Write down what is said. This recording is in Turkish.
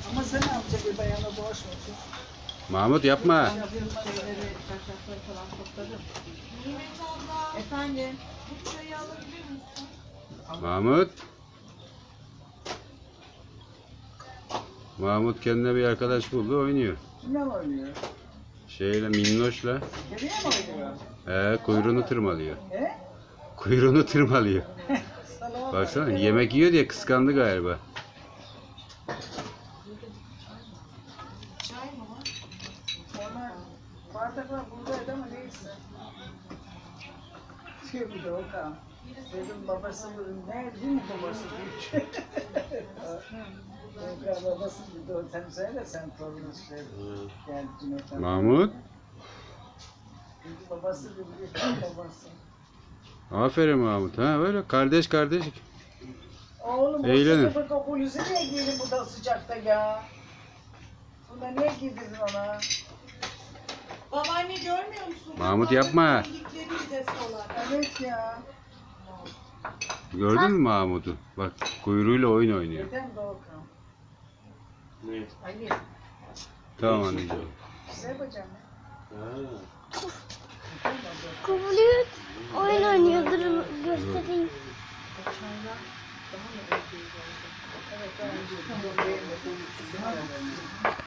Ama sen ne yapacak bir bayanla dolaşmasın? Mahmut yapma. Şeyleri, çarşafları falan topladım. Nimet abla, Efendim? bu çayı alabilir misin? Mahmut. Mahmut kendine bir arkadaş buldu, oynuyor. Kimle mi oynuyor? Şeyle, minnoşla. Kediye mi oynuyor? Kuyruğunu tırmalıyor. He? Kuyruğunu tırmalıyor. Sana Baksana yemek yiyor diye kıskandı galiba. Çay mı var? Ona bardaklar buradaydı ama neyse. Şey bir de Okan. Dedim babası ne değil mi babası diyor. Okan babası bir de o sen söyle sen torunu söyle. Gel Cüneyt'e. Mahmut. Babası bir babası. Aferin Mahmut. Ha böyle kardeş kardeş. Oğlum Eğlenin. o sıkı hulusu niye giydin burada sıcakta ya? Bunda niye giydirdin ona? Babaanne görmüyor musun? Mahmut yapma. İyilikleri izlesolar. Evet ya. Gördün mü Mahmut'u? Bak kuyruğuyla oyun oynuyor. Neden de Okan? Ne? Ali. Tamam anneciğim. Güzel bacım. Ha. Kıvılıyor, oyun